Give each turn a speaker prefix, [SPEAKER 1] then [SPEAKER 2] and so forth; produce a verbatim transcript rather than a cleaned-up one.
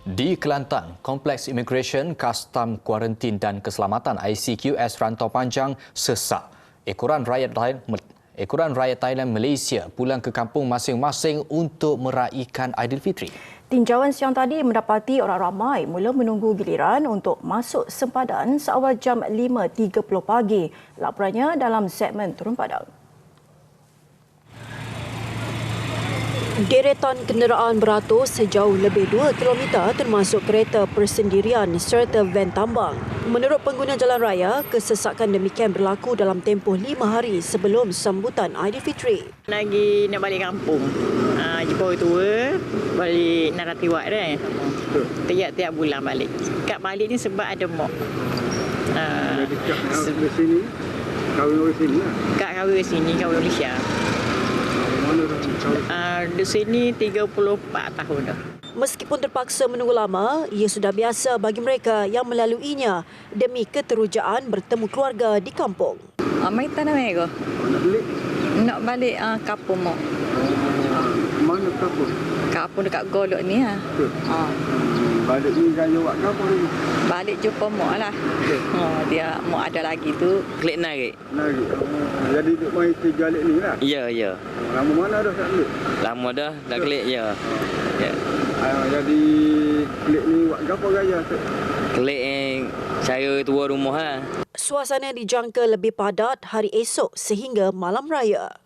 [SPEAKER 1] Di Kelantan, Kompleks Imigresen, Kastam, Kuarantin dan Keselamatan I C Q S Rantau Panjang sesak. Ekoran rakyat Thailand, ekoran rakyat Thailand Malaysia pulang ke kampung masing-masing untuk meraihkan Aidilfitri.
[SPEAKER 2] Tinjauan siang tadi mendapati orang ramai mula menunggu giliran untuk masuk sempadan seawal jam lima tiga puluh pagi. Laporannya dalam segmen Turun Padang.
[SPEAKER 3] Deretan kenderaan beratur sejauh lebih dua kilometer termasuk kereta persendirian serta van tambang. Menurut pengguna jalan raya, kesesakan demikian berlaku dalam tempoh lima hari sebelum sambutan Aidilfitri.
[SPEAKER 4] Lagi nak balik kampung. Ha, jumpa orang tua, balik Naratiwak dah. Tiap-tiap bulan balik. Kat balik ni sebab ada mak. Ha,
[SPEAKER 5] Jadi kat se- sini, kahwin orang sini lah.
[SPEAKER 4] kat kahwin sini, kahwin Malaysia.
[SPEAKER 5] Mana dah kahwin?
[SPEAKER 4] Uh, di sini tiga puluh empat tahun dah.
[SPEAKER 3] Meskipun terpaksa menunggu lama, ia sudah biasa bagi mereka yang melaluinya demi keterujaan bertemu keluarga di kampung.
[SPEAKER 6] Ah, mai tanah merah.
[SPEAKER 5] Oh, nak balik?
[SPEAKER 6] Nak balik ah, kampung mak.
[SPEAKER 5] Mana kapur?
[SPEAKER 6] Kampung dekat Golok ni ah.
[SPEAKER 5] Tu.
[SPEAKER 6] Ha.
[SPEAKER 5] Balik ni gaya buat kapur ni.
[SPEAKER 6] Balik jumpa mak lah. Ha, dia mak ada lagi tu klik narik.
[SPEAKER 5] Nari. Oh, jadi duk main tiga alik ni lah.
[SPEAKER 7] Ya, ya.
[SPEAKER 5] Lama mana dah tak balik?
[SPEAKER 7] Lama dah, dah klik, ya. Ya.
[SPEAKER 5] Ah, jadi klik ni buat kapur gaya.
[SPEAKER 7] Klik yang cara tua rumah lah.
[SPEAKER 3] Suasana dijangka lebih padat hari esok sehingga malam raya.